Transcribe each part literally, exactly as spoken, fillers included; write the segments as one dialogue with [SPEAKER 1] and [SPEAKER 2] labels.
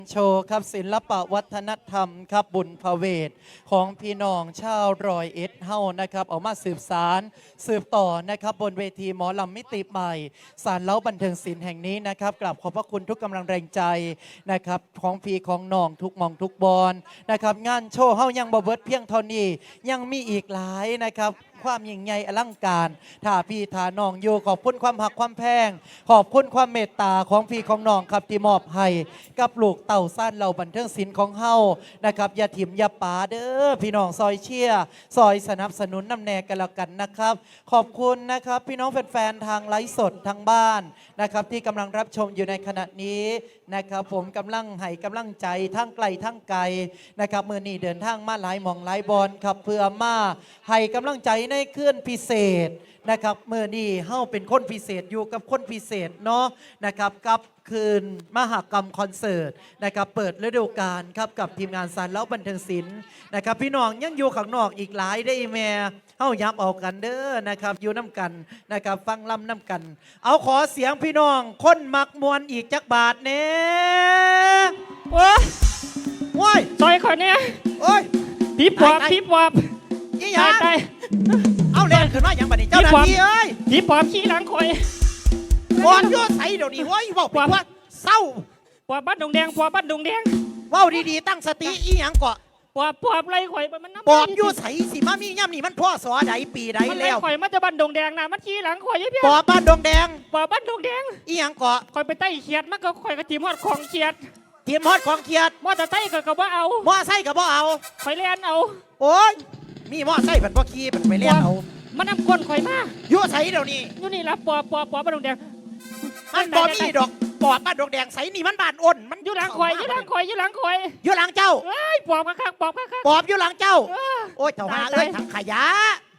[SPEAKER 1] โชว์ครับศิลปะวัฒนธรรมครับบุญพเวทของพี่น้องชาวรอยเอ็ดเฮานะครับออกมาสืบสารสืบต่อนะครับบนเวทีหมอลำมิติใหม่สารเล้าบันเทิงศิลป์แห่งนี้นะครับกราบขอบพระคุณทุกกำลังแรงใจนะครับของพี่ของน้องทุกมองทุกบอลนะครับงานโชว์เฮายังบ่เบิดเพียงเท่านี้ยังมีอีกหลายนะครับความยิ่งใหญ่อลังการถ้าพี่ถาน้องอยู่ขอบคุณความหักความแพงขอบคุณความเมตตาของพี่ของน้องครับที่มอบให้กับลูกเต่าสั้นเหล่าบันเทิงศิลป์ของเฮานะครับอย่าถิ่มอย่าป๋าเด้อพี่น้องซอยเชียร์ซอยสนับสนุนน้ำแนกันแล้วกันนะครับขอบคุณนะครับพี่น้องแฟนๆทางไลฟ์สดทางบ้านนะครับที่กำลังรับชมอยู่ในขณะนี้นะครับผมกำลังให้กำลังใจทั้งไกลทั้งไกลนะครับมือนี้เดินทางมาหลายหมองหลายบอลครับเพื่อมาให้กำลังใจในเคลื่อนพิเศษนะครับเมื่อนี้เฮาเป็นคนพิเศษอยู่กับคนพิเศษเนาะนะครับกับคืนมหกรรมคอนเสิร์ตนะครับเปิดฤดูกาลครับกับทีมงานสารเล้าบันเทิงศิลป์นะครับพี่น้องยังอยู่ข้างนอกอีกหลายได้แม่เฮายับเอากันเด้อนะครับอยู่น้ำกันนะครับฟังลำน้ำกันเอาขอเสียงพี่น้องคนมักมวนอีกจักบาทเน่โอ้ยโอ้ย
[SPEAKER 2] ซอยเขาเนี่ย
[SPEAKER 1] โอ้ย
[SPEAKER 2] พีบวบพีบวบ
[SPEAKER 1] ยี่หยังเอาเล่นขึ้นมาอย่างบัดนี้เจ้าหน้าที่เอ้ย
[SPEAKER 2] พีบวบขี้หลังคอย
[SPEAKER 1] บอลยั่วใส่เดี๋ยวนี้โอ้ยบอกไปว่าเศร้า
[SPEAKER 2] ปอบบ้านดงแดงปอบบ้านดงแดง
[SPEAKER 1] ว้าวดีๆตั้งสติอีหยังเกาะ
[SPEAKER 2] ปอบปอบไรข่อยมันน้ำ
[SPEAKER 1] ปอบยั่วใส่สิมามีย่ำนี่มันพ่อสอใดปีใดแล้ว
[SPEAKER 2] ข่อยมันจะบ้านดงแดงนะมันขี้หลังข่อยยี่เพี้ย
[SPEAKER 1] ปอบบ้านดงแดง
[SPEAKER 2] ปอบบ้านดงแดง
[SPEAKER 1] อีหยังเกาะ
[SPEAKER 2] ข่อยไปไต่เขียดมันก็ข่อยกระติมฮอดของเขียด
[SPEAKER 1] เทียมฮอดของเขียด
[SPEAKER 2] มอแต่ไต่ก็กระว่าเอา
[SPEAKER 1] มอไส้กับบ่เอา
[SPEAKER 2] ข่อยเลี้ยนเอา
[SPEAKER 1] โอ้ยมีมอไส้ผัดบ่ขี้ผัดไปเลี้ยนเอา
[SPEAKER 2] มันนำก้นข่อยมา
[SPEAKER 1] ยั่วใส่เดี๋ยวนี้
[SPEAKER 2] อยู่นี่ละปอบปอบปอบบ้านดงแดง
[SPEAKER 1] มันบ่มีดอกปอบบ้านดงแดงใส่นี่มันบ้านอ้นมัน
[SPEAKER 2] อยู่หลังข่อยอยู่หลังข่อยอยู่หลังข่อย
[SPEAKER 1] อยู่หลังเจ้า
[SPEAKER 2] เอ้ยปอบข้างปอบข้าง
[SPEAKER 1] ปอบอยู่หลังเจ้าโอ้ยเจ้าหาเอ้ยทั้งขยะ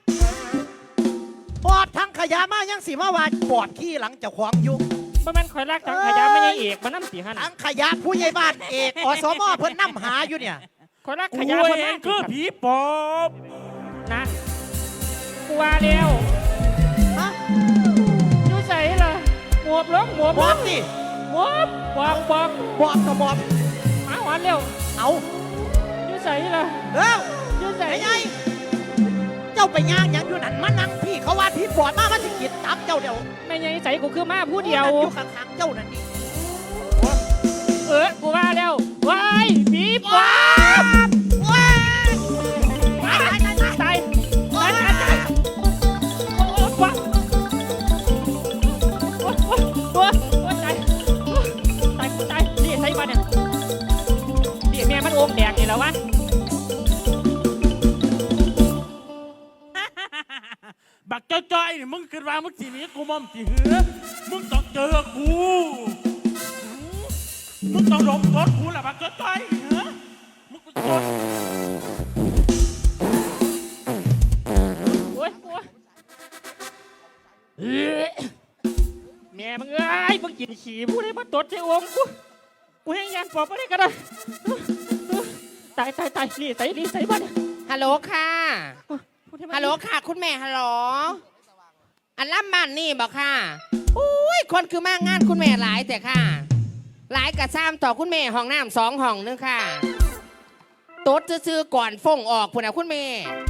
[SPEAKER 1] ปอบทั้งขยะมายังสีมาว่าปอบขี้หลังเจ้าของอยู่
[SPEAKER 2] มันมันข่อยลากทั้งขยะไม่ใช่เอกมันน้ำสีหัน
[SPEAKER 1] ทั้งขยะผู้ใหญ่บ้านเอกอสมเพิ่นน้ำหาอยู่เนี่ย
[SPEAKER 2] ข่อยลากขยะคนนั้น
[SPEAKER 3] คือผีปอบ
[SPEAKER 2] นะกูว่าเร็ว
[SPEAKER 1] ฮะ
[SPEAKER 2] ยูใส่ล่ะหมวบล้มหมวบ
[SPEAKER 1] ปอบสิ
[SPEAKER 2] หมวบปอบปอบ
[SPEAKER 1] ปอบกับปอบ
[SPEAKER 2] มาหวานเร็ว
[SPEAKER 1] เอา
[SPEAKER 2] ยูใส่ล่ะ
[SPEAKER 1] เร็ว
[SPEAKER 2] ยูใส่
[SPEAKER 1] ไงเจ้าไปย่างยังอยู่นั่นมานั่งพี่เขาว่าพี่ปอบมามาสิกินตับเจ้าเดียว
[SPEAKER 2] ไม่ไงใส่กูคือมาผู้เดียว
[SPEAKER 1] อยู่ข้างๆเจ้านั่นนี่
[SPEAKER 2] เออกูว่าเร็วว้ายผีปอบ
[SPEAKER 1] ว้าย
[SPEAKER 2] ตายตายตายตายตายโอ้โอ้ว้าโอ้โอ้โอ้โอ้ตายตายตายนี่ใส่มาเนี่ยนี่แม่มันโอมแดงนี่แล้ววะ
[SPEAKER 3] บักจ้อยๆนี่มึงคิดว่ามึงสีนี้กูมอมสีเหือมึงต้องเจอกูมึงต้องดมรถกูแหละบักจ้อยๆเหรอมึงกูจด
[SPEAKER 2] โอ้ยโอ้ยแม่มึงเอ้ยมึงกินขี้ผู้ใดมาตดใจวงกูกูให้ยานปอบไม่ได้ก็ได้ตายตายตายนี่ใส่นี่ใส่บ้าน
[SPEAKER 4] ฮัลโหลค่ะฮัลโหลค่ะคุณแม่ฮัลโหลอันล่ำบ้านนี่บอกค่ะอุ้ยคนคือมากงานคุณแม่หลายแต่ค่ะหลายกระซ้ำต่อคุณแม่ห้องน้ำสองห้องนึงค่ะโต๊ดซื้อก่อนฟงออกพุ่นนะคุณแม่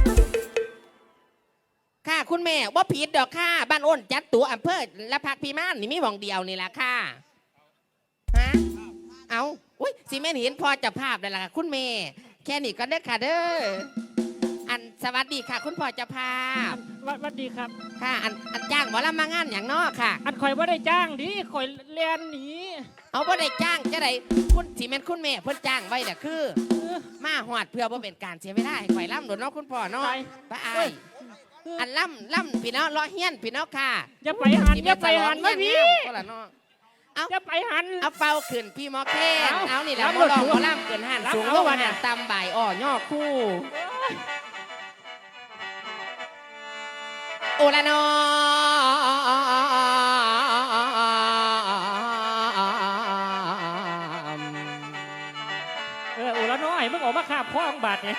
[SPEAKER 4] ค่ะคุณแม่ว่าผิดดอกค่ะบ้านอ้นจัดตัวอำเภอละพักพีมานนี่มีหว่องเดียวนี่แหละค่ะฮะเอาอุ้ยสิแม่เห็นพอจะภาพได้ละค่ะคุณแม่แค่นี้ก็ได้ค่ะเด้ออันสวัสดีค่ะคุณพ่อเจ้าภาพ
[SPEAKER 2] สวัสดีครับ
[SPEAKER 4] ค่ะอันอันจ้างหมอลำมางานอย่างนอกค่ะ
[SPEAKER 2] อันคอยว่าได้จ้างดิคอยเรียนหนี
[SPEAKER 4] เอาว่าได้จ้างจะได้คุณสีเมนคุณแม่เพิ่นจ้างไว้แต่คือมาหอดเพื่อว่าเป็นการเสียไม่ได้คอยล่ำโดนน้องคุณพ่อน้องป้าไออันล่ำล่ำพี่น้องล้อเฮี้ยนพี่น้องค่ะ
[SPEAKER 2] อย่าไปหันอย่าไปหันไม่พี่
[SPEAKER 4] เอา
[SPEAKER 2] อย่าไปหัน
[SPEAKER 4] เอาเป่าขึ้นพี่มอแค่เอานี่แหละหมอลองหมอล่ำเกินหันสูงแล้ววันนี้ตำบ่ายอ่อย่อคู่โอละนอ
[SPEAKER 2] เออโอละน้อยมึงออกมาขาบพ่องบาดเนี่ย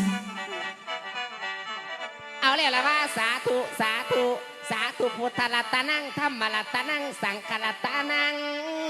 [SPEAKER 4] เอาเลยละว่าสาธุสาธุสาธุพุทธรัตนังธรรมรัตนังสังฆรัตนัง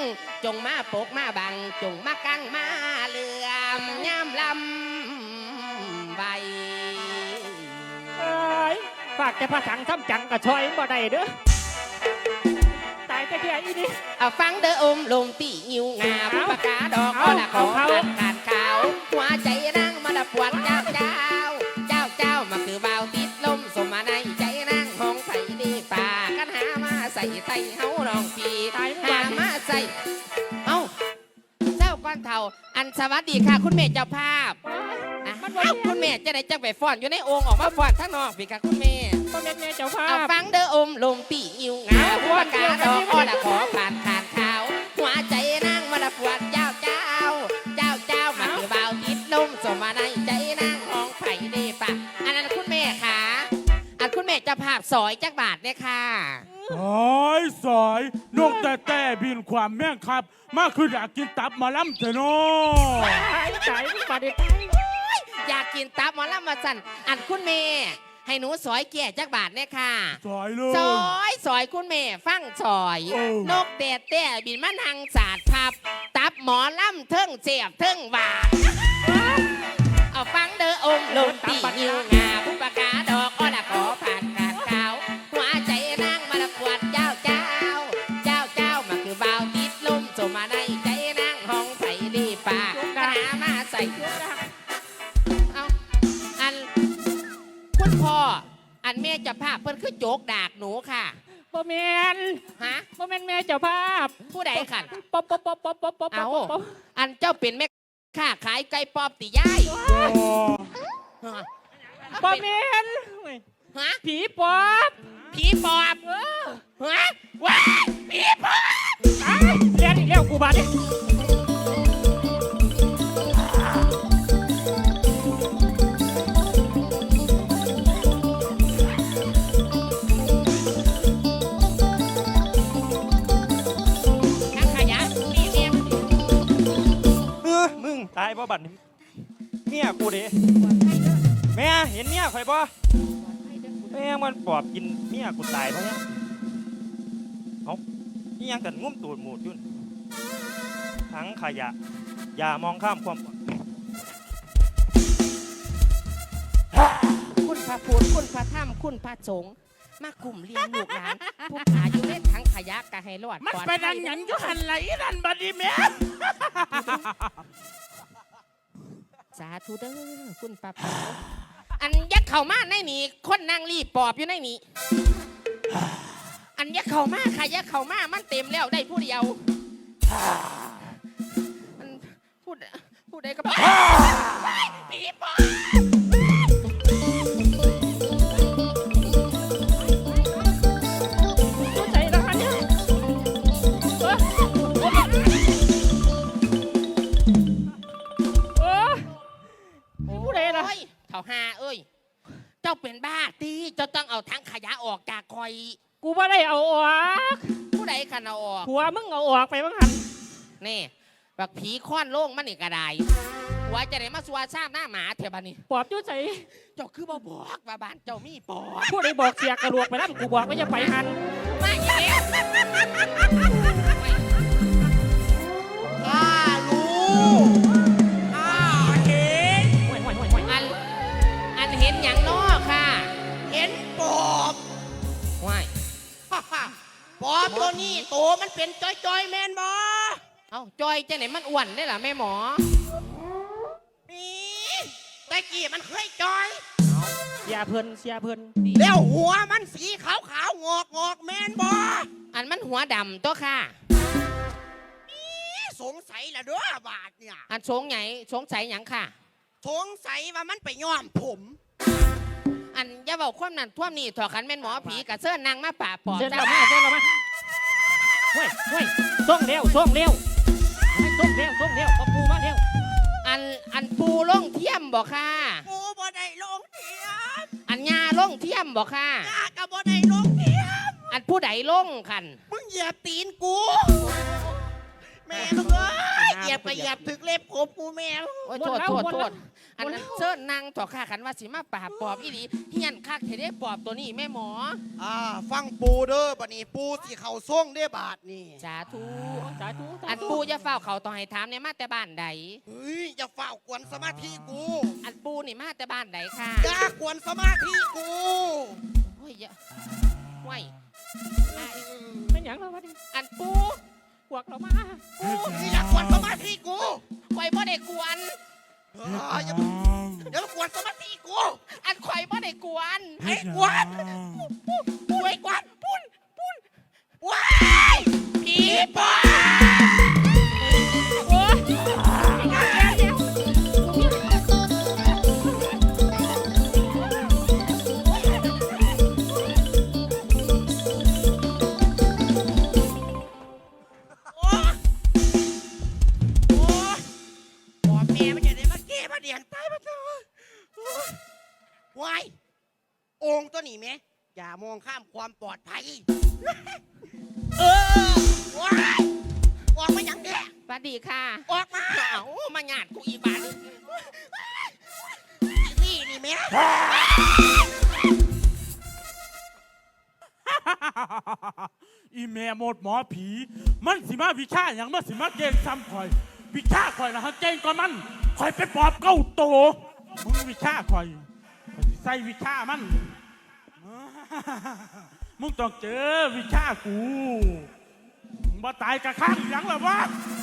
[SPEAKER 4] จงมาปกมาบังจงมากังมาเหลื่อมย่ำลำใบ
[SPEAKER 2] เอ้ยฝากแต่พระสังทำจังกับชอยบ่ได้เด้อตายแต่เพียอีนี่
[SPEAKER 4] เอาฟังเด้ออมลมตีงิวงาผู้ประกาดอก
[SPEAKER 2] เอา
[SPEAKER 4] ก็ละขอ
[SPEAKER 2] เอา
[SPEAKER 4] ขาดขาดขาวหัวใจนั่งมาละปวดเจ้าเจ้าเจ้าเจ้ามาคือเบาติดลมสมมาในใจนั่งห้องไผ่ดีป่ากันหามาใส่ไตเฮาลองพีหามาใส่เอ้าเจ้าก้อนเท่าอันสวัสดีค่ะคุณเมย์เจ้าภาพอ่ะ
[SPEAKER 2] มันบ่
[SPEAKER 4] เอ้า
[SPEAKER 2] แม่น
[SPEAKER 4] คุณเมย์จะได้จังไปฟ้อนอยู่ในโอ่งออกมาฟ้อนข้างนอกพี่ค่ะคุณเมย์
[SPEAKER 2] บ่แม่นแม่เจ้าภา
[SPEAKER 4] เอา
[SPEAKER 2] พ
[SPEAKER 4] ฟังเด้ออมลมตีอิวงาผู้ประกาศดอกอ้อละขอผ่านผ่านขาวหัวใจนั่งมาละปวดเจ้าเจ้าเจ้าเจ้ามาคือเบาติดลมสมมาในใจนั่งห้องไผ่เดปะอันนั้นคุณแม่ค่ะอันคุณแม่จะภาพสอยจักบาทเนี่ยค่ะ
[SPEAKER 3] สอยสอยนกแต่แต่บินความแม่งครับ มาคืออยากกินตับหมาล้ำเถอะเนาะ
[SPEAKER 2] ตายตายบ่ได้ตาย
[SPEAKER 4] อยากกินตับหมอลำมาสั่นอันคุณแม่ให้หนูสอยแก่จักบาทเนี่ยค่ะ
[SPEAKER 3] สอยเลย
[SPEAKER 4] สอยสอยคุณแม่ฟังสอย
[SPEAKER 3] เออ
[SPEAKER 4] นกแต่แต่บินมาทางศาสตร์พับ ตับหมอลำเทิงเสียบเทิงหวานเอาฟังเด้ออมลมตีนิวงาผู้ประกาศดอกอ้อละขอผ่านขาดขาวหัวใจนั่งมาละปวดเจ้าเจ้า เจ้าเจ้ามาคือเบาติดลมสมมาในใจนั่งห้องไผ่ดีป่าหามาใส่เอาอันคุณพ่ออันแม่เจะภาพเพิ่นคือโจกดากหนูค่ะ
[SPEAKER 2] บ่แม่น
[SPEAKER 4] ฮะ
[SPEAKER 2] บ่แม่นแม่เจ้าภาพ
[SPEAKER 4] ผู้ใดขัน
[SPEAKER 2] ป๊อบป๊อบป๊อบป๊อบป๊อบป๊อบ
[SPEAKER 4] เอา
[SPEAKER 2] ป๊อบ
[SPEAKER 4] อันเจ้าเป็นแม่ค้าขายไก่ปอบติยาย
[SPEAKER 3] โอ้
[SPEAKER 4] ฮะ
[SPEAKER 2] บ่แม่น
[SPEAKER 4] ฮะ
[SPEAKER 2] ผีปอบ
[SPEAKER 4] ผีปอบ
[SPEAKER 2] เออ
[SPEAKER 4] ฮะว้ายผีปอบ
[SPEAKER 2] ตายเรียนอีกแล้วกูบาดเนี่ย
[SPEAKER 4] นักขยะนี่เนี่ย
[SPEAKER 5] เออมึงตายบ่บัดนี้เมียกูเด้แม่เห็นเมียข่อยบ่แม่งมันปอบกินเมียกูตายเพราะเนี่ยเอ้านี่ยังกันงุ้มตูดหมูดอยุ่นทั้งขยะ อย่ามองข้ามความ
[SPEAKER 4] คุณพระพุทธคุณพระธรรมคุณพระสงฆ์มากลุ่มเลี้ยงลูกหลานผู้ขาอยู่เล่นทั้งขยะกะให้รอด
[SPEAKER 3] มัน
[SPEAKER 4] ปลอด
[SPEAKER 3] ไป
[SPEAKER 4] ภั
[SPEAKER 3] ดั
[SPEAKER 4] ย
[SPEAKER 3] งหยังก็หันไหลดันบัดนี้แม่
[SPEAKER 4] สาธุเด้อคุณพระพุทธอันยักษ์เข้ามาในนี่คนนางรีปอบอยู่ในนี่อันยักษ์เข้ามาค่ะยักษ์เข้ามามันเต็มแล้วได้ผู้เดียวอันพูดพูดได้ก็บอกผีปอบ
[SPEAKER 2] เข้าใจแล้วคะเนี่ยเออเออผู้ใดล่ะ
[SPEAKER 4] โอ้ยเถ่าหาเอ้ย เจ้าเป็นบ้าตีเจ้าต้องเอาทั้งขยะออกจากคอย
[SPEAKER 2] กูบ่ได้เอาออก
[SPEAKER 4] ผู้ใดขันเอาออก
[SPEAKER 2] ผัวมึงเอาออกไปบ้างหัน
[SPEAKER 4] นี่บักผีค้อนโล่งมันนี่กระไดหัวจะได้มาสัวซ้ำหน้าหมาเถอะบ้านี่
[SPEAKER 2] ปอบอยุ่ใส่
[SPEAKER 4] เจ้าคือบ่บอกว่าบ้านเจ้ามีปอบ
[SPEAKER 2] ผู้ใดบอกเสียกระลวกไปแล้วกูบอกว่าจะไปหัน
[SPEAKER 4] มาอีกแล้วข้ารู้ข้าเห็น
[SPEAKER 2] ห่วยห่วยห่วยห่วย
[SPEAKER 4] อันอันเห็นอย่างนอค่ะ เห็นปอบว้าย
[SPEAKER 6] ปอบตัวนี้โตมันเป็นจอยจอยๆแมนบอ
[SPEAKER 4] เอ้าจอยจะไหนมันอ้วนได้ล่ะแม่หมอ
[SPEAKER 6] นี่ตะกี้มันเคยจอย
[SPEAKER 2] เสียเพิ่นเสียเพิ่น
[SPEAKER 6] แล้วหัวมันสีขาวขาวๆงอกงอกๆแมนบอ
[SPEAKER 4] อันมันหัวดำตัวค่ะ
[SPEAKER 6] นี่สงสัยละเด้อบาทเนี่ย
[SPEAKER 4] อันสงไหนสงสัยหยังค่ะ
[SPEAKER 6] สงสัยว่ามันไปย้อมผม
[SPEAKER 4] อันอย่าบอกความนั้นท่วมนี่ถอดขันแม่นหมอผีกับเสื้อนางมาป่าปอบ
[SPEAKER 2] เส้น
[SPEAKER 4] จ้
[SPEAKER 2] เรามาเส้นเรามาห่วยห่วยส่งเร็วส่งเร็วส่งเร็วส่งเร็วปอบกูมาเร็ว
[SPEAKER 4] อันอันปูล่องเทียมบอกค่ะ
[SPEAKER 6] กูบ่ได้ลงเทียม
[SPEAKER 4] อันยาล่องเทียมบอกค่ะ
[SPEAKER 6] ยาก็บ่ได้ลงเทียม
[SPEAKER 4] อันผู้ใดล่องคัน
[SPEAKER 6] มึงเหยียบตีนกูแมม่มึงเอ้ยเหยียบไปเหยียบถึกเล็บผมกูแม่มึง
[SPEAKER 4] โอ้ยโทษโทษโทษอันนั้นเชิญนางต่อข้าขันว่าสิมาปราบปอบอีหลีเฮียนคักเทได้ปอบตัวนี้แม่หมอ
[SPEAKER 6] อ่าฟังปูเด้อบัดนี้ปูสิเข้าส่งเด้อบาทนี่
[SPEAKER 4] สาธุ
[SPEAKER 2] สาธุสา
[SPEAKER 4] อัน
[SPEAKER 2] ธุ
[SPEAKER 4] ปูจะเฝ้าเขาต่อให้ถามเนี่ยมาแต่บ้านใด
[SPEAKER 6] เฮ้ยอย่าเฝ้ากวนสมาธิกู
[SPEAKER 4] อันปูนี่มาแต่บ้านใดค่ะ
[SPEAKER 6] อย่ากวนสมาธิกู
[SPEAKER 4] โอ้ยอย่าไว้ไอ้
[SPEAKER 2] เป็นอย่างเราวะนี่
[SPEAKER 4] อันปู
[SPEAKER 2] พวกเรามา
[SPEAKER 6] นี่อย่ากวนสมาธิกู
[SPEAKER 4] ข่อยบ่ได้กวน
[SPEAKER 6] เฮ้ยอย่าอย่ามากวนสมาธิกู
[SPEAKER 4] อันข่อยบ่ได้กวน
[SPEAKER 6] ไอ้กวนปูไอ้กวนปุ้นปุ้นว้ายผีปอบ
[SPEAKER 2] โอ้ย
[SPEAKER 6] โอ้ยโอ้ยปอบแม่มันจะได้มาเก้มาเดียนตายมาเถอะโอ้ยวายองค์ตัวนี้แม่อย่ามองข้ามความปลอดภัย เออว้ายออกมาอย่างเนี้ย
[SPEAKER 4] สวัสดีค่ะ
[SPEAKER 6] ออกมา
[SPEAKER 4] เอ้ามาหยาดกูอีบาน
[SPEAKER 6] นี่นี่แม่
[SPEAKER 3] อีแม่หมดหมอผี มันสิมาวิชาอย่างมันสิมาเก่งซ้ำข่อย วิชาข่อยนะฮะเก่งกว่ามันข่อยไปปอบเก้าโตมึงวิชาข่อยข่อยสิใส่วิชามัน มึงต้องเจอวิชากูมึงมาตายกะข้างหยังหรอวะ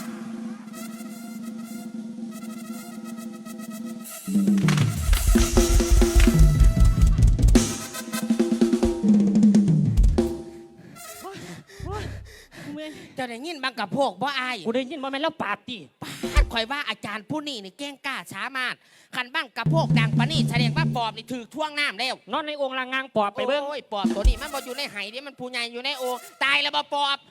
[SPEAKER 2] เมื่อย
[SPEAKER 4] เจะได้ยินบางกับพวกบ่อาย
[SPEAKER 2] กูได้ยินว่าแม่นแล้วปาดติ
[SPEAKER 4] ท่านข่อยว่าอาจารย์ผู้นี้นี่เก่งกล้าสามารถขันบ้างกับพวกดังปานนี่แสดงว่าปอบนี่ถือท่วงน้ำแล้ว
[SPEAKER 2] นอนในองค์ลางงางปอบไปเบิ้ง
[SPEAKER 4] โอ้ยปอบตัวนี้มันบ่อยู่ในไหเดิมันผู้ใหญ่อยู่ในโอ่งตายแล้วบ่ปอบ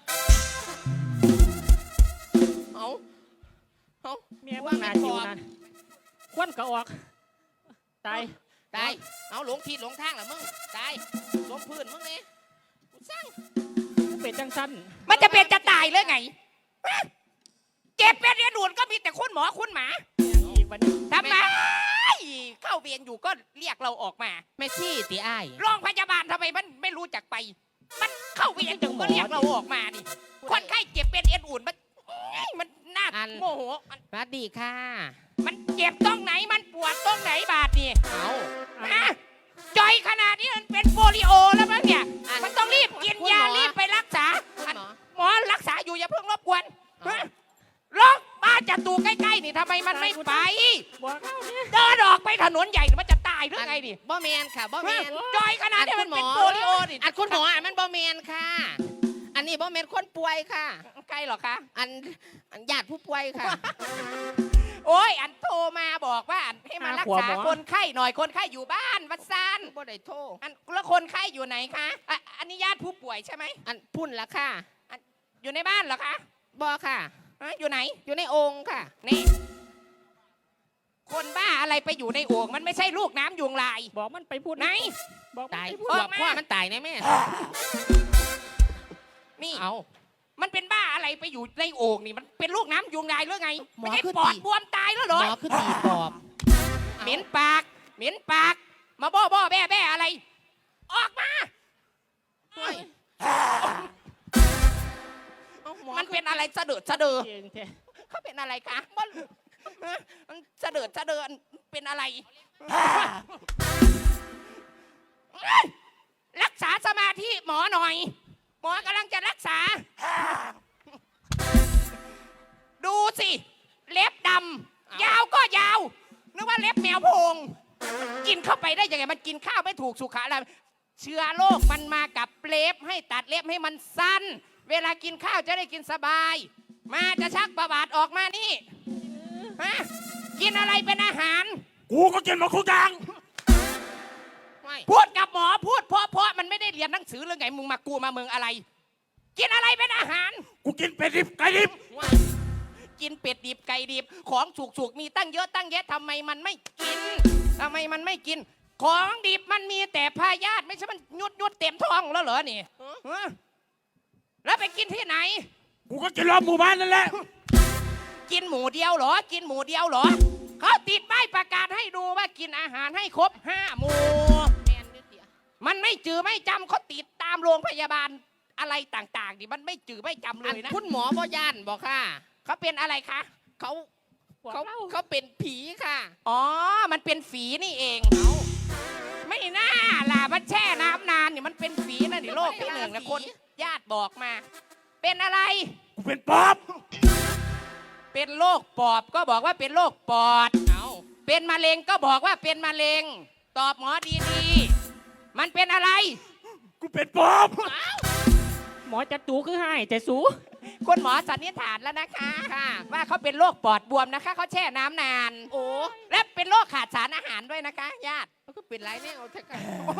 [SPEAKER 4] เอาเอา
[SPEAKER 2] เมียว่านาจิวนั่นควันก็ออก ตาย
[SPEAKER 4] ตายเอาหลงทิศหลงทางเหรอมึงตายลงพื้นมึงเนี่ยกูสร้าง
[SPEAKER 2] เป็นจังสั้น
[SPEAKER 4] มันจะเป็นจะตายเลยไงฮะเจ็บเป็นเรียนด่วนก็มีแต่คุณหมอคุณหมา
[SPEAKER 2] อีกวันนี้
[SPEAKER 4] ทำไมเข้าเวียนอยู่ก็เรียกเราออกมาไม่ซี่ตีอ้ายโรงพยาบาลทำไมมันไม่รู้จักไป มันเข้าเวียนอยู่ก็เรียกเราออกมานี่คนไข้เจ็บเป็นเอ็นอุ่นมันเอ้ยมันน่าโมโหมันสวัสดีค่ะ มันเจ็บตรงไหนมันปวดตรงไหนบาดนี่เอาฮะจอยขนาดนี้มันเป็นโปลิโอแล้วมั้งเนี่ยมันต้องรีบกินยารีบไปรักษาอันหมอรักษาอยู่อย่าเพิ่งรบกวนฮะลงบ้านจัตูใกล้ๆนี่ทำไมมันไม่ไป
[SPEAKER 2] บอกเอาเนี่ย
[SPEAKER 4] เดินออกไปถนนใหญ่มันจะตายหรือไงดิ
[SPEAKER 7] บ่แมนค่ะบ่แมน
[SPEAKER 4] จอยขนาดนี้มันเป็นโปลิโอนี่
[SPEAKER 7] อันคุณหมออันมันบ่แมนค่ะ อันนี้บ่แมนคนป่วยค่ะ
[SPEAKER 4] ใกล้หรอคะ
[SPEAKER 7] อันอันญาติผู้ป่วยค่ะ
[SPEAKER 4] โอ้ยอันโทรมาบอกว่าอันให้มารักษาคนไข้หน่อยคนไข้อยู่บ้านวัดซาน
[SPEAKER 7] บ่ได้โทร
[SPEAKER 4] อันแล้วคนไข้อยู่ไหนคะอ่ะอันนี้ญาติผู้ป่วยใช่ไหม
[SPEAKER 7] อันพุ่นละค่ะ
[SPEAKER 4] อยู่ในบ้านเหรอคะ
[SPEAKER 7] บ่ค่ะ
[SPEAKER 4] ฮะอยู่ไหน
[SPEAKER 7] อยู่ในองค์ค่ะ
[SPEAKER 4] นี่คนบ้าอะไรไปอยู่ในโอ่งมันไม่ใช่ลูกน้ำยุงลาย
[SPEAKER 2] บอกมันไปพูด
[SPEAKER 4] ไหน
[SPEAKER 2] บอกมัน
[SPEAKER 7] ตาย
[SPEAKER 2] ไปพูด
[SPEAKER 7] ขวบพ่อมันตายแน่แม่
[SPEAKER 4] นี่
[SPEAKER 7] เอา
[SPEAKER 4] มันเป็นบ้าอะไรไปอยู่ในโอ่งนี่มันเป็นลูกน้ำยุงลายหรือไง
[SPEAKER 7] หมอ
[SPEAKER 4] ไม่ใช่
[SPEAKER 7] คือ
[SPEAKER 4] ปอด
[SPEAKER 7] ตี
[SPEAKER 4] บวมตายแล้วเหร
[SPEAKER 7] ห
[SPEAKER 4] อ
[SPEAKER 7] มอคือตีปอบ
[SPEAKER 4] เหม็นปาก เหม็นปาก มาบ้อบ้อแบ้แบ้อะไร ออกมา
[SPEAKER 7] เฮ้ย
[SPEAKER 4] เอาหมอมันเป็นอะไรสะเดิดสะเดือ
[SPEAKER 2] เก่งแท้
[SPEAKER 4] เขาเป็นอะไรคะมันมันสะเดิดสะเดินเป็นอะไร รักษาสมาธิหมอหน่อย หมอกำลังจะรักษา ดูสิ เล็บดำยาวก็ยาวนึกว่าเล็บแมวโพง กินเข้าไปได้ยังไงมันกินข้าวไม่ถูกสุขอะไรเชื้อโรคมันมากับเล็บให้ตัดเล็บให้มันสั้น เวลากินข้าวจะได้กินสบาย มาจะชักประบาดออกมานี่ฮะกินอะไรเป็นอาหาร
[SPEAKER 3] กูก็กินมาคุกอย่าง
[SPEAKER 7] ไม่
[SPEAKER 4] พูดกับหมอพูดเพราะเพราะมันไม่ได้เรียนหนังสือหรือไงมึงมากูมาเมืองอะไร กินอะไรเป็นอาหาร
[SPEAKER 3] กูกินเป็ดดิบไก่ดิบ
[SPEAKER 4] กินเป็ดดิบไก่ดิบของสุกๆมีตั้งเยอะตั้งแยะทำไมมันไม่กินทำไมมันไม่กิน ของดิบมันมีแต่พยาธิไม่ใช่มันยุดยุดเต็มท้องแล้วเหรอนี่ฮะแล้วไปกินที่ไหน
[SPEAKER 3] กูก็กินรอบหมู่บ้านนั่นแหละ
[SPEAKER 7] กินหมูเดียวเหรอ กินหมูเดียวเหรอเขาติดป้ายประกาศให้ดูว่ากินอาหารให้ครบห้าหมู่มันไม่จือไม่จำเขาติดตามโรงพยาบาลอะไรต่างๆดิมันไม่จือไม่จำเลยนะ
[SPEAKER 4] คุณหมอบ่ย่านบอกค่ะ
[SPEAKER 7] เขาเป็นอะไรคะ
[SPEAKER 4] เขาเขาเขาเป็นผีค่ะ
[SPEAKER 7] อ๋อ มันเป็นฝีนี่เองไม่น่าล่ะ มันแช่น้ำนานนี่มันเป็นฝีนะนี่โรคที่หนึ่งนะคนญาติบอกมา เป็นอะไร
[SPEAKER 3] กูเป็นปอบ
[SPEAKER 7] เป็นโรคปอบก็บอกว่าเป็นโรคปอด เอาเป็นมะเร็งก็บอกว่าเป็นมะเร็ง ตอบหมอดีๆ มันเป็นอะไร
[SPEAKER 3] กูเป็นปอบ
[SPEAKER 2] หมอจะตูคือให้แต่สู
[SPEAKER 7] คุณหมอสันนิษฐานแล้วนะคะว่าเขาเป็นโรคปอดบวมนะคะเขาแช่น้ำนาน โอ้และเป็นโรคขาดสารอาหารด้วยนะคะ ญาติ
[SPEAKER 4] เขาก็เป็นไรเนี่ยเอาเถอะค่ะ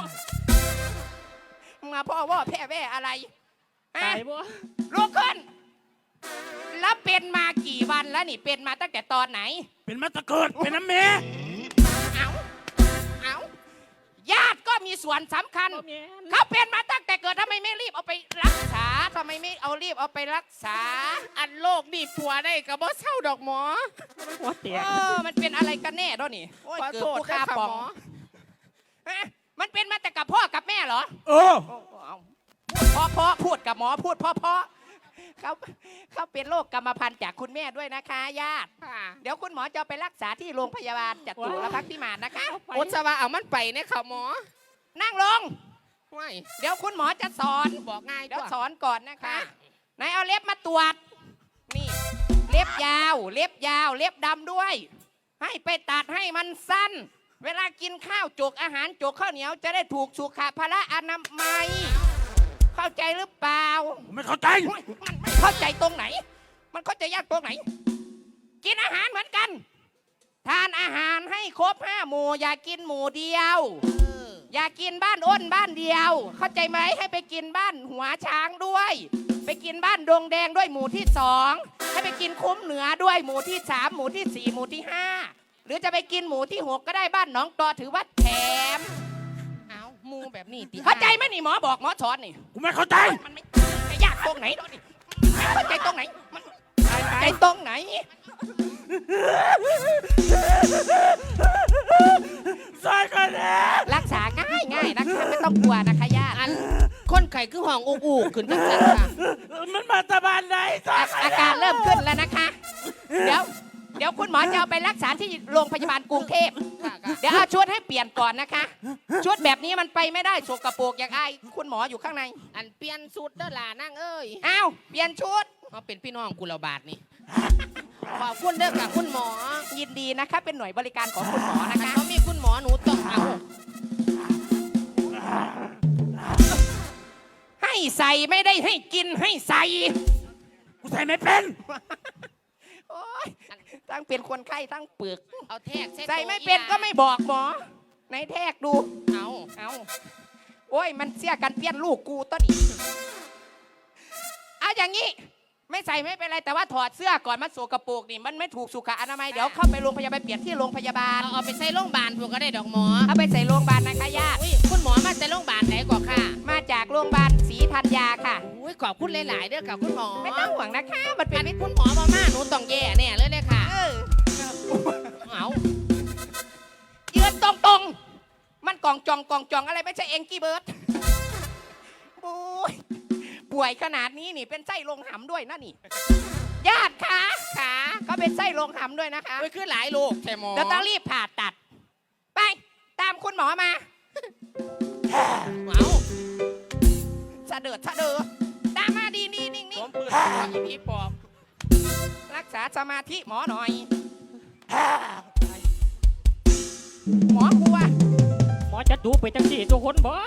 [SPEAKER 7] มาพ่อว่าแพ้แว่อะไรฮะ
[SPEAKER 2] ตายบ่
[SPEAKER 7] ลุกขึ้น แล้วเป็นมากี่วันแล้วนี่เป็นมาตั้งแต่ตอนไหน
[SPEAKER 3] เป็นมาตะเกิดเป็นน้ำเม
[SPEAKER 7] เอาเอาญาติก็มีส่วนสำคัญ
[SPEAKER 2] บ่แม่น
[SPEAKER 7] เขาเป็นมาตั้งแต่เกิดทำไมไม่รีบเอาไปรักษาทำไมไม่เอารีบเอาไปรักษา
[SPEAKER 4] อันโรคนี่ผัวได้กับบ่เศร้าดอกหมอ
[SPEAKER 2] หัวแต
[SPEAKER 7] เอก อมันเป็นอะไรกันแน่ด้วยนี่โอ้ย
[SPEAKER 4] ขอ
[SPEAKER 7] เกิด
[SPEAKER 4] โทษ
[SPEAKER 7] ผู้
[SPEAKER 4] ด้วย
[SPEAKER 7] ฆ่า
[SPEAKER 4] ค่ะ
[SPEAKER 7] ปอง
[SPEAKER 4] หมอ
[SPEAKER 7] ฮะมันเป็นมาแต่กับพ่อกับแม่เหรอ
[SPEAKER 3] เออ
[SPEAKER 7] เอาพ่อพ่อพูดกับหมอพูดพ่อพ่อเขาเขาเป็นโรคกรรมพันธุ์จากคุณแม่ด้วยนะคะญาติ
[SPEAKER 4] ค่ะ
[SPEAKER 7] เดี๋ยวคุณหมอจะเอาไปรักษาที่โรงพยาบาลจัตุรพักษ์พิมานนะคะ
[SPEAKER 4] โอสวาเอามันไปเนี่ยค่ะหมอ
[SPEAKER 7] นั่งลง
[SPEAKER 4] ไม่
[SPEAKER 7] เดี๋ยวคุณหมอจะสอน
[SPEAKER 4] บอกง่าย
[SPEAKER 7] เดี๋ยว
[SPEAKER 4] กว่า
[SPEAKER 7] สอนก่อนนะคะ
[SPEAKER 4] ค่ะ
[SPEAKER 7] ไหนายเอาเล็บมาตรวจ นี่ เล็บยาว เล็บยาว เล็บดำด้วย ให้ไปตัดให้มันสั้น เวลากินข้าวจกอาหารจกข้าวเหนียวจะได้ถูกสุขภาระอนามัย เข้าใจหรือเปล่า
[SPEAKER 3] ผมไม่เข้าใจ
[SPEAKER 7] โอ๊ยมันไม่เข้าใจตรงไหน มันเข้าใจยากตรงไหน กินอาหารเหมือนกัน ทานอาหารให้ครบห้าหมู่อย่ากินหมู่เดียว อย่ากินบ้านอ้นบ้านเดียว เข้าใจไหมให้ไปกินบ้านหัวช้างด้วย ไปกินบ้านดงแดงด้วยหมู่ที่สองให้ไปกินคุ้มเหนือด้วยหมู่ที่สามหมู่ที่สี่หมู่ที่ห้าหรือจะไปกินหมู่ที่หกก็ได้บ้านหนองตอถือว่าแถม
[SPEAKER 4] เอาหมูแบบนี้ติ
[SPEAKER 7] เข้าใจไหมนี่หมอบอกหมอสอนนี่
[SPEAKER 3] กูไม่เข้าใจ
[SPEAKER 7] มันไม่ไม่ยากตรงไหนดอกนี่ไม่เข้าใจตรงไหนมันใจตรงไหน
[SPEAKER 3] ซอยกันแน่
[SPEAKER 7] รักษาง่ายง่ายนะคะไม่ต้องกลัวนะคะญาติ
[SPEAKER 4] อันคนไข้คือห้องอุกอูขึ้นจังซั่นค่ะ
[SPEAKER 3] มันมาตะบานไหนซอย
[SPEAKER 7] อาการเริ่มขึ้นแล้วนะคะ เดี๋ยว เดี๋ยวคุณหมอจะเอาไปรักษาที่โรงพยาบาลกรุงเทพ
[SPEAKER 4] ค่ะค่ะ
[SPEAKER 7] เดี๋ยวเอาชุดให้เปลี่ยนก่อนนะคะ ชุดแบบนี้มันไปไม่ได้โสกโปรกอย่างไอายคุณหมออยู่ข้างใน
[SPEAKER 4] อันเปลี่ยนสูตรเด้อล่ะนั่งเอ้ย
[SPEAKER 7] อ้าวเปลี่ยนชุด
[SPEAKER 4] เอาเป็นพี่น้องกุลบาทนี่ขอบคุณเด้อค่ะคุณหมอ
[SPEAKER 7] ยินดีนะคะ เป็นหน่วยบริการของคุณหมอนะ
[SPEAKER 4] อัน
[SPEAKER 7] คะ
[SPEAKER 4] เขามีคุณหมอหนูต้องเอา
[SPEAKER 7] ให้ใส่ไม่ได้ให้กินให้ใส่
[SPEAKER 3] กูใส่ไม่เป็น
[SPEAKER 7] โอ๊ยทั้งเป็นคนไข้ทั้งเปลือก
[SPEAKER 4] เอาแทก
[SPEAKER 7] ใส่ไม่เป็นก็ไม่บอกหมอไหนแทกดู
[SPEAKER 4] เอา
[SPEAKER 7] เอาโอ้ย มันเสียกันเปี้ยนลูกกูต้นอีกเอาอย่างนี้ ไม่ใส่ไม่เป็นไร แต่ว่าถอดเสื้อก่อนมันโสกโปรกนี่ มันไม่ถูกสุขอนามัย เดี๋ยวเข้าไปโรงพยาบาลเปลี่ยนที่โรงพยาบาล
[SPEAKER 4] เอาเอาไปใส่โรงพยาบาลพวกก็ได้ดอกหมอ
[SPEAKER 7] เอาไปใส่โรงพยาบาลนะคะญาติ
[SPEAKER 4] อุ้ยคุณหมอมาแต่โรงพยาบาลไหนก่อนค่ะ
[SPEAKER 7] มาจากโรงพยาบาลศรีธัญญาค่ะ
[SPEAKER 4] อุ้ยขอบคุณหลาย ๆ เด้อค่ะคุณหมอ
[SPEAKER 7] ไม่ต้องห่วงนะคะ มันเป็น
[SPEAKER 4] อันนี้คุณหมอมาม่าหนูต้องแย่แน่เลยเลยค่ะ
[SPEAKER 7] เออ
[SPEAKER 4] เอา
[SPEAKER 7] ยืนตรงๆ มันกองจองกองจองอะไรไม่ใช่เอ็งกี้เบิร์ดโอ้ยป่วยขนาดนี้นี่เป็นไส้ลงหำด้วยนะนี่ ญาติขาขาก็เป็นไส้ลงหำด้วยนะคะ
[SPEAKER 4] อุ้ยคือหลายลูกใช่หมอ
[SPEAKER 7] เดี๋ยวต้องรีบผ่าตัด ไปตามคุณหมอมา
[SPEAKER 4] เอา
[SPEAKER 7] สะเดิดสะเดือตามมาดีดีนิ่ง
[SPEAKER 4] ผ
[SPEAKER 7] นิ่ง
[SPEAKER 4] มปืนอีพีปอบ
[SPEAKER 7] รักษาสมาธิหมอหน่อย หมอกลัว
[SPEAKER 2] หมอจะตูไปจังสี่ทุกคนบ่